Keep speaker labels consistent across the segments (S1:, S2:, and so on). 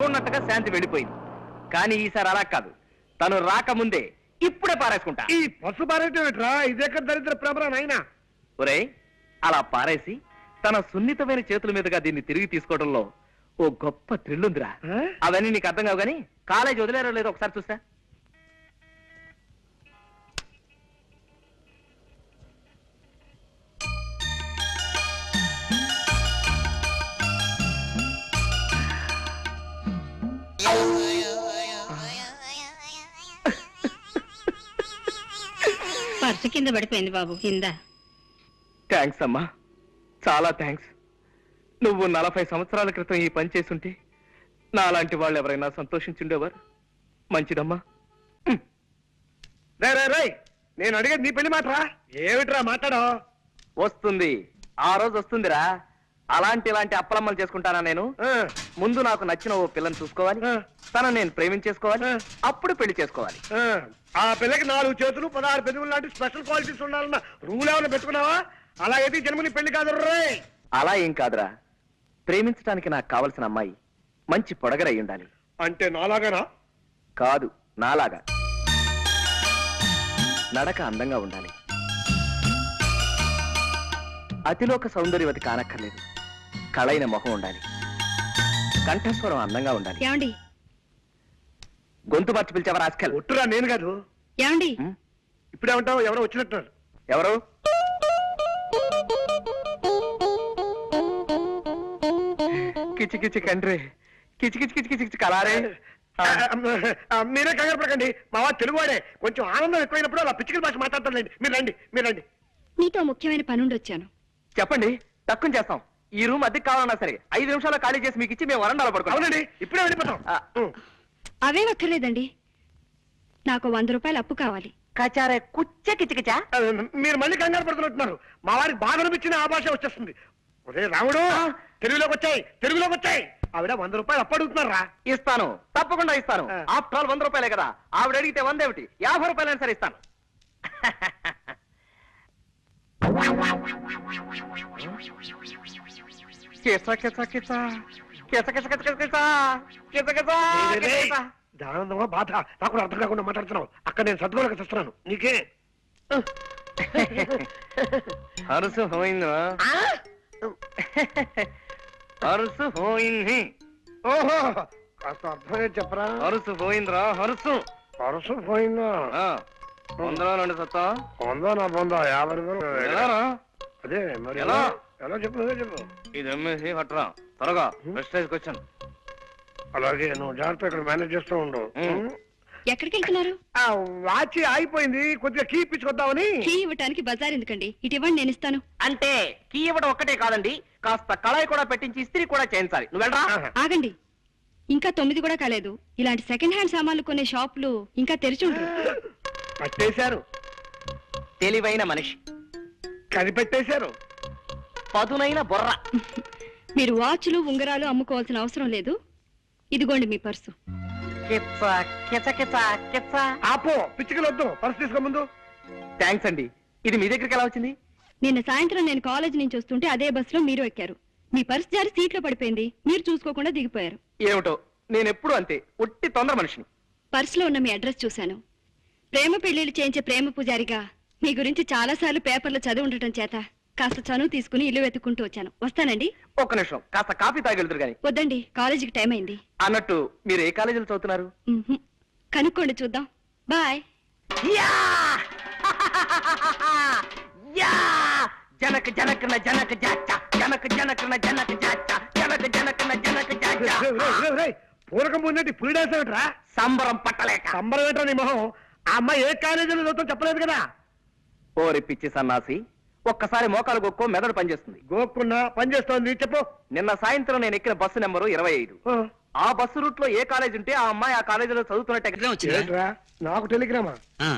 S1: ఉన్నట్టుగా శాంతి వెళ్ళిపోయింది. కానీ ఈసారి అలా కాదు, తను రాకముందే ఇప్పుడే పారేసుకుంటా.
S2: ఈ పసు పారేటరా ఇదెక్కడ దరిద్ర ప్రభరా నాయనా.
S1: ఒరేయ్, అలా పారేసి తన సున్నితమైన చేతుల మీదుగా దీన్ని తిరిగి తీసుకోవడంలో ఓ గొప్ప థ్రిల్ ఉందిరా. అవన్నీ నీకు అర్థం కావు, కానీ కాలేజ్ వదిలేరో లేదో ఒకసారి చూస్తా.
S3: పర్సు కింద పడిపోయింది బాబు, కింద.
S1: థ్యాంక్స్ అమ్మా, చాలా థ్యాంక్స్. నువ్వు 40 సంవత్సరాల క్రితం ఈ పని చేసుంటే నాలాంటి వాళ్ళు ఎవరైనా సంతోషించుండేవారు. మంచిదమ్మా.
S2: నేను అడిగేది నీ పెళ్లి మాటరా. ఏమిట్రా మాట్లాడో?
S1: వస్తుంది, ఆ రోజు వస్తుందిరా. ఇలాంటి అప్పలమ్మలు చేసుకుంటానా నేను? ముందు నాకు నచ్చిన ఓ పిల్లని చూసుకోవాలి, తను నేను ప్రేమించేసుకోవాలి, అప్పుడు పెళ్లి చేసుకోవాలి.
S2: ఆ పిల్లకి 4 చేతులు 16 పెదవులు లాంటి స్పెషల్ క్వాలిటీస్ ఉండాలన్న రూల్ ఏమైనా పెట్టుకున్నావా? అలాగైతే జన్మని పెళ్లి కాదు రే.
S1: అలా ఏం కాదురా, ప్రేమించడానికి నాకు కావలసిన అమ్మాయి మంచి పొడగరై ఉండాలి.
S2: అంటే నాలాగానా?
S1: కాదు, నాలాగా. నడక అందంగా ఉండాలి, అతిలోక సౌందర్యవతి కానక్కర్లేదు. కళైన మొహం ఉండాలి, కంఠస్వరం అందంగా ఉండాలి.
S3: ఏమండి?
S1: గొంతు మార్చి పిలిచావా రాస్కల్?
S2: ఒట్టురా, నేను కాదు.
S3: ఏమండి?
S2: ఇప్పుడేమంటావు? ఎవరో వచ్చినట్టున్నారు.
S1: ఎవరు? కిచి కిచి కండ్రి, కిచి కిచి కిచి కిచి కిచి కలారే.
S2: మీరే కంగారు పడకండి, మా వాడు తెలుగువాడే. కొంచెం ఆనందం ఎక్కువైనప్పుడు అలా పిచ్చికల భాష మాట్లాడతారులేండి. మీరు రండి, మీరు రండి.
S3: నీతో ముఖ్యమైన పనుండి వచ్చాను.
S1: చెప్పండి, తక్కువ చేస్తాం. ఈ రూమ్ అద్దెకి కావాలన్నా సరే 5 నిమిషాల్లో ఖాళీ చేసి మీకు ఇచ్చి మేము వరండాలో పడుకోవాలి.
S2: అవునండి, ఇప్పుడే వెళ్ళిపోతాం.
S3: అవే అక్కర్లేదండి, నాకు 100 రూపాయలు అప్పు కావాలి.
S1: కచారే కుచ్చ కిచకిచా.
S2: మీరు మళ్ళీ కంగారు పడుతున్నట్టున్నారు. మా వారికి బాగా అనిపించిన ఆ భాష వచ్చేస్తుంది. ఒరే రాముడు, తెలుగులోకి వచ్చాయి. ఆవిడ 100 రూపాయలు అప్పు అడుగుతున్నారా?
S1: ఇస్తాను, తప్పకుండా ఇస్తాను. ఆఫ్టర్ ఆల్ 100 రూపాయలే కదా. ఆవిడ అడిగితే 100 ఏమిటి, 50 రూపాయలైనా సరే ఇస్తాను.
S2: ఆనందమా బాధ నాకు అర్థం కాకుండా మాట్లాడుతున్నావు. అక్కడ నేను సద్గోళక చేస్తున్నాను. నీకే
S1: హరుసు పోయిందా? హరుసు పోయింది.
S2: ఓహో, కాస్త అర్థమే చెప్పరా.
S1: హరుసు పోయిందిరా, హరుసు
S2: పోయిందా?
S1: 100 2 సత్తా
S2: 100 నా 50 రూపాయలు. అదే మరి ఎలా చెప్పు
S1: ఇది అమ్మేసి కట్టరా త్వరగా. Prestige question.
S2: అలాగే, నువ్వు జాగ్రత్త ఇక్కడ మేనేజ్ చేస్తూ ఉండు.
S3: ఎక్కడికి వెళ్తున్నారు?
S2: వాచి ఆగిపోయింది, కొద్దిగా కీ ఇప్పించుకొద్దామని.
S3: కీ ఇవ్వటానికి బజార్ ఎందుకండి, ఇటు ఇవ్వండి, నేను ఇస్తాను.
S1: అంటే కీ ఇవ్వడం ఒక్కటే కాదండి, కాస్త కళాయి కూడా పెట్టించి ఇస్త్రీ కూడా చేయించాలి. నువ్వు వెళ్ళరా.
S3: ఆగండి, ఇంకా 9 కూడా కాలేదు. ఇలాంటి సెకండ్ హ్యాండ్ సామాన్లు కొనే షాపులు ఇంకా తెరిచి ఉంటారు.
S2: పట్టేశారు.
S1: తెలివైన మనిషి
S2: కనిపెట్టేశారు.
S1: పదునైన బుర్ర.
S3: మీరు వాచ్లు ఉంగరాలు అమ్ముకోవాల్సిన అవసరం లేదు. ఇదిగోండి మీ పర్సు.
S2: ఆపో, పిచ్చికలు వద్దు. పర్సు తీసుకో ముందు.
S1: థ్యాంక్స్ అండి. ఇది మీ దగ్గరికి ఎలా వచ్చింది?
S3: నిన్న సాయంత్రం నేను కాలేజ్ నుంచి వస్తుంటే అదే బస్సులో మీరు ఎక్కారు. మీ పర్సు జారి సీట్లో పడిపోయింది, మీరు చూసుకోకుండా దిగిపోయారు.
S1: ఏమిటో, నేను ఎప్పుడు అంతే, ఒట్టి తొందర మనిషిని.
S3: పర్సులో ఉన్న మీ అడ్రస్ చూశాను. ప్రేమ పెళ్లిళ్ళు చేయించే ప్రేమ పూజారిగా మీ గురించి చాలా సార్లు పేపర్లో చదివి ఉండటం చేత కాస్త చనువు తీసుకుని ఇల్లు వెతుక్కుంటూ వచ్చాను. వస్తానండి.
S1: ఒక్క నిమిషం, కాస్త కాఫీ తాగెళ్తురు గాని.
S3: వద్దండి, కాలేజీకి టైం అయింది.
S1: అన్నట్టు మీరు ఏ కాలేజీలో చదువుతున్నారు?
S3: కనుక్కోండి, చూద్దాం. బాయ్.
S1: జనక జనకన జనక జాచ, జనక జనకన జనక జాచ, జనక జనకన జనక జాచ.
S2: పూరకం పొందేటి పులిడేసేమిట్రా?
S1: సంబరం పట్టలేక.
S2: సంబరం ఏంటో నీ మొహం. ఆ అమ్మాయి ఏ కాలేజీలో చదువుతాం చెప్పలేదు కదా.
S1: ఓరి పిచ్చి సన్నాసి, ఒక్కసారి మోకాలు గొక్కో మెదడు పనిచేస్తుంది.
S2: గోక్కున్నా పనిచేస్తోంది, చెప్పు.
S1: నిన్న సాయంత్రం నేను ఎక్కిన బస్సు నెంబరు 25. ఆ బస్సు రూట్ లో ఏ కాలేజ్ ఉంటే ఆ అమ్మాయి ఆ కాలేజీలో చదువుతున్నట్టు.
S2: నాకు టెలిగ్రామా?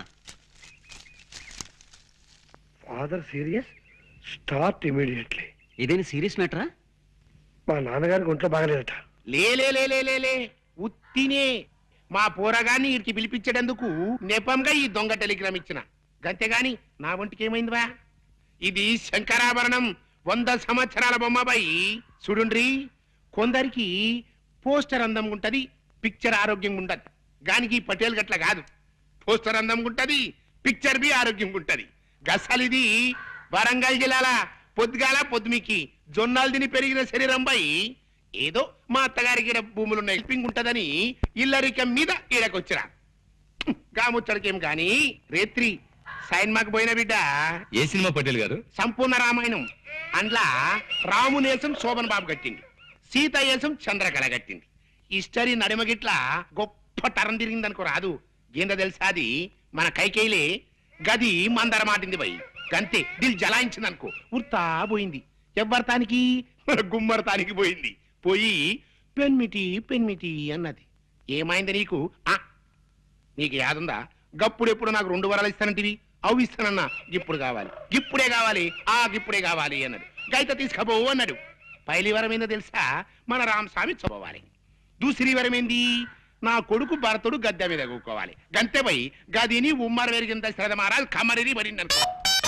S2: Father serious, start immediately.
S4: ఇదేని సీరియస్ మ్యాటరా?
S2: మా నాన్నగారికి ఒంట్లో బాగలేదట.
S5: లే ఉత్తినే మా పోరగాన్ని వీరికి పిలిపించేందుకు నెపంగా ఈ దొంగ టెలిగ్రామ్ ఇచ్చిన. గంతేగాని నా ఒంటికి ఏమైందివా? ఇది శంకరాభరణం, 100 సంవత్సరాల బొమ్మబాయి. చూడుండ్రి, కొందరికి పోస్టర్ అందంగా ఉంటది, పిక్చర్ ఆరోగ్యంగా ఉండదు. గానికి ఈ పటేల్ గట్ల కాదు. పోస్టర్ అందంగా ఉంటది, పిక్చర్ బి ఆరోగ్యంగా ఉంటది. గసలిది వరంగల్ జిల్లాల పొద్దుగాల పొద్దుమికి జొన్నాలు తిని పెరిగిన శరీరం పై ఏదో మా అత్తగారికి ఈడ భూములున్న హెల్పింగ్ ఉంటదని ఇల్లరికం మీద ఈడకొచ్చిరా. గాముచ్చడికేం గాని రేత్రి సైన్మాకు పోయిన బిడ్డ
S4: ఏ సినిమా పటేల్ గారు?
S5: సంపూర్ణ రామాయణం. అందులో రామునేసం శోభన్ బాబు కట్టింది, సీత ఏసం చంద్రకళ కట్టింది. హిస్టరీ నడిమగిట్ల గొప్ప తరం తిరిగిందనుకో రాదు. ఏందో తెలుసా, అది మన కైకేయిలే గది మందర మాటింది పోయి గంతే దిల్ జలాయించింది అనుకో, ఉర్తా పోయింది. ఎవ్వరతానికి మన గుమ్మరతానికి పోయింది. పోయి పెన్మిటి పెన్మిటి అన్నది. ఏమైంది నీకు? నీకు యాదుందా? గప్పుడెప్పుడు నాకు 2 వరాలు ఇస్తానంటివి, అవి ఇస్తానన్నా. ఇప్పుడు కావాలి, ఇప్పుడే కావాలి, ఇప్పుడే కావాలి అన్నాడు. గైత తీసుకపోవు అన్నాడు. పైలి వరం ఏందో తెలుసా, మన రామస్వామి చదవాలి. దూసరి వరం ఏంది, నా కొడుకు భరతుడు గద్దె మీద కూకోవాలి. గంతే పోయి గదిని ఉమ్మర వెరిగింత శ్రద్ధ మారాలి, కమరిని పడింది అనుకో.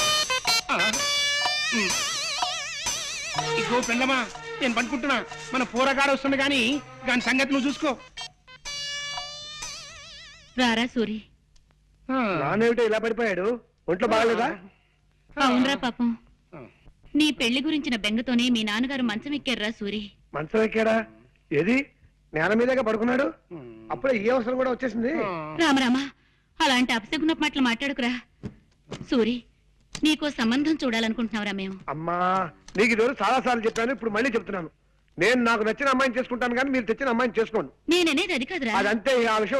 S5: ఇగో పెండమా, నేను పనుకుంటున్నా. మన పూరగాడు వస్తుంది గాని దాని సంగతి నువ్వు చూసుకో.
S6: రారా సూరి.
S2: నానేమిటో ఇలా పడిపోయాడు, ఒంట్లో బాగలేదా?
S6: అవునరా పాపం, నీ పెళ్లి గురించిన బెంగతోనే మీ నాన్నగారు మంచం ఎక్కారురా సూరి.
S2: మంచం ఎక్కాడా? ఏది నేల మీదగా పడుకున్నాడు? అప్పుడే ఈ అవసరం కూడా వచ్చేసింది.
S6: రామరామా, అలాంటి అపశకున మాటలు మాట్లాడుకురా. సూరి, నీకో సంబంధం చూడాలనుకుంటున్నావురా మేము.
S2: అమ్మా, నీకు ఈరోజు చాలా సార్లు చెప్పాను, ఇప్పుడు మళ్ళీ చెప్తున్నాను. నేను నాకు నచ్చిన అమ్మాయిని చేసుకుంటాను కానీ మీరు తెచ్చిన అమ్మాయిని చేసుకోండి.
S6: నేననేది అది కాదురా.
S2: అదంతే, ఆ విషయం